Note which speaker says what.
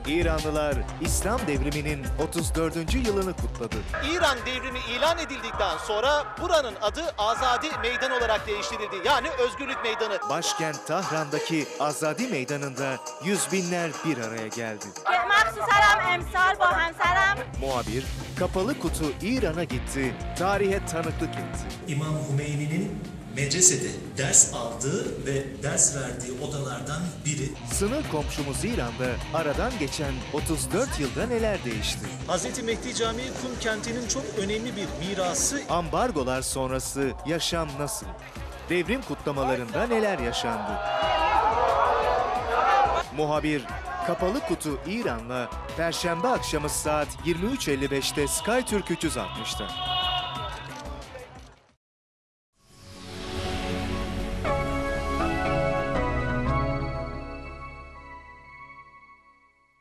Speaker 1: İranlılar İslam devriminin 34. yılını kutladı.
Speaker 2: İran devrimi ilan edildikten sonra buranın adı Azadi Meydan olarak değiştirildi. Yani Özgürlük Meydanı.
Speaker 1: Başkent Tahran'daki Azadi Meydanı'nda yüz binler bir araya geldi.
Speaker 3: مخصوصا امسال با همسرم
Speaker 1: Muhabir kapalı kutu İran'a gitti, tarihe tanıklık etti.
Speaker 4: İmam Hümeyni'nin medresede ders aldığı ve ders verdiği odalardan biri.
Speaker 1: Sınır komşumuz İran'da aradan geçen 34 yılda neler değişti?
Speaker 2: Hazreti Mehdi Camii Kum kentinin çok önemli bir mirası.
Speaker 1: Ambargolar sonrası yaşam nasıl? Devrim kutlamalarında neler yaşandı? Muhabir kapalı kutu İran'la Perşembe akşamı saat 23.55'te Sky Türk 360'ta.